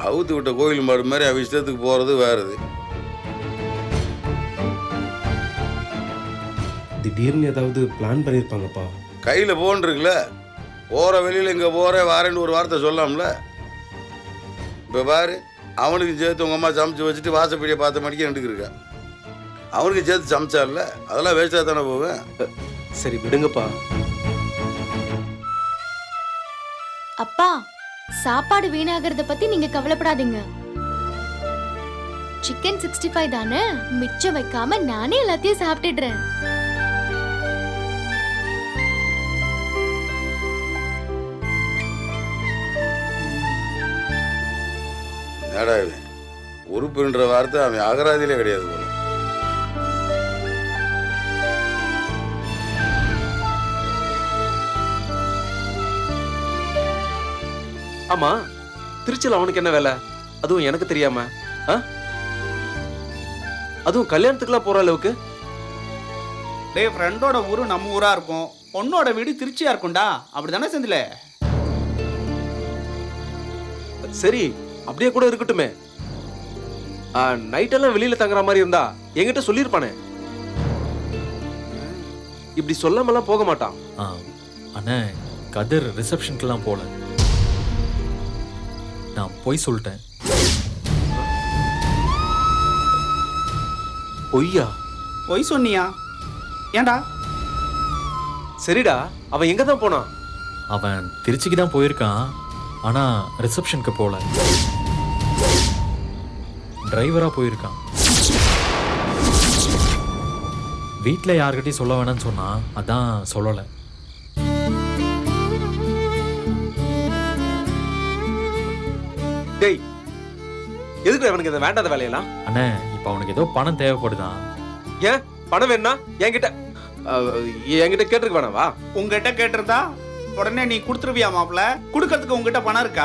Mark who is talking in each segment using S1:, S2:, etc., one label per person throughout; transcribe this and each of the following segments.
S1: அவுத்து விட்ட கோயில் மாடு மாதிரி அவ இஷ்டத்துக்கு போகிறது வேறுது.
S2: திடீர்னு ஏதாவது பிளான் பண்ணியிருப்பாங்கப்பா.
S1: கையில் ஃபோன் இருக்குல்ல, போகிற வெளியில் இங்கே போகிற வாரேன்னு ஒரு வார்த்தை சொல்லலாம்ல. இப்போ பாரு, அவனுக்கு சேர்த்து உங்கள் அம்மா சமைச்சு வச்சுட்டு வாசப்படியை பார்த்த மணிக்கு எடுத்துக்கிருக்கா. அவனுக்கு சேர்த்து சமைச்சார்ல, அதெல்லாம் வேஸ்ட்டாக தானே போவேன்.
S2: சரி விடுங்கப்பா.
S3: அப்பா, சாப்பாடு வீணாகிறத பத்தி நீங்க கவலைப்படாதீங்க. சிக்கன் 65 தானே, மிச்சம் வைக்காம நானே எல்லாத்தையும் சாப்பிட்டுடுறேன்.
S1: என்னடா இவன், உறுப்புன்ற வார்த்தை அவன் அகராதியிலே கிடையாது போல.
S2: ஆமா, திருச்சியில் அவனுக்கு என்ன வேலை? அதுவும் எனக்கு தெரியாம. அதுவும் கல்யாணத்துக்குலாம் போற அளவுக்கு.
S4: டேய், ஃப்ரெண்டோட ஊரு நம்ம ஊரா இருக்கும், பொண்ணோட வீடு திருச்சியா இருக்கும்டா. அப்படிதானே செந்தில?
S2: சரி, அப்படியே கூட இருக்கட்டுமே. நைட்டெல்லாம் வெளியில தங்குற மாதிரி இருந்தா என்கிட்ட சொல்லியிருப்பானே. இப்படி சொல்லாமலாம் போக மாட்டான்.
S5: அண்ணே, கதிர் ரிசப்ஷனுக்குலாம் போல. நான் போய் சொல்லிட்டேன்.
S2: பொய்யா?
S4: பொய் சொன்னியா? ஏன்டா?
S2: சரிடா, அவன் எங்க தான் போனான்?
S5: அவன் திருச்சிக்கு தான் போயிருக்கான், ஆனா ரிசப்ஷனுக்கு போல. டிரைவரா போயிருக்கான். வீட்டில் யார்கிட்டையும் சொல்ல வேணாம்னு சொன்னா, அதான் சொல்லலை.
S2: டேய், எதுக்கு அவனுக்கு இந்த வேண்டாத வேலையெல்லாம்?
S5: அண்ணே, இப்போ அவனுக்கு ஏதோ பணம் தேவைப்படுதான்.
S2: ஏன் பணம் வேணா என்கிட்ட கேட்டிருக்க வேணாவா?
S4: உங்ககிட்ட கேட்டிருந்தா உடனே நீ கொடுத்துருவியா மாப்பிள்ள? கொடுக்கறதுக்கு உங்ககிட்ட பணம் இருக்கா?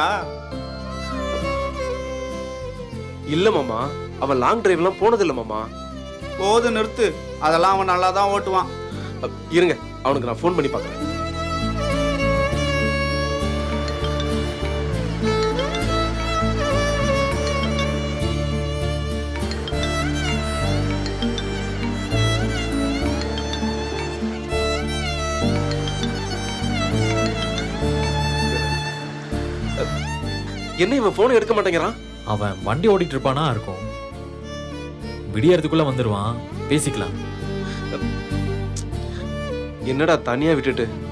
S2: இல்ல மாமா, அவன் லாங் டிரைவ்லாம் போனது இல்ல மாமா.
S4: போது நிறுத்து, அதெல்லாம் அவன் நல்லா தான் ஓட்டுவான்.
S2: இருங்க, அவனுக்கு நான் ஃபோன் பண்ணி பார்க்குறேன். என்ன இவன் போன் எடுக்க மாட்டேங்கிறான்?
S5: அவன் வண்டி ஓடிட்டு இருப்பானா இருக்கும். விடியறதுக்குள்ள வந்துருவான், பேசிக்கலாம்.
S2: என்னடா தனியா விட்டுட்டு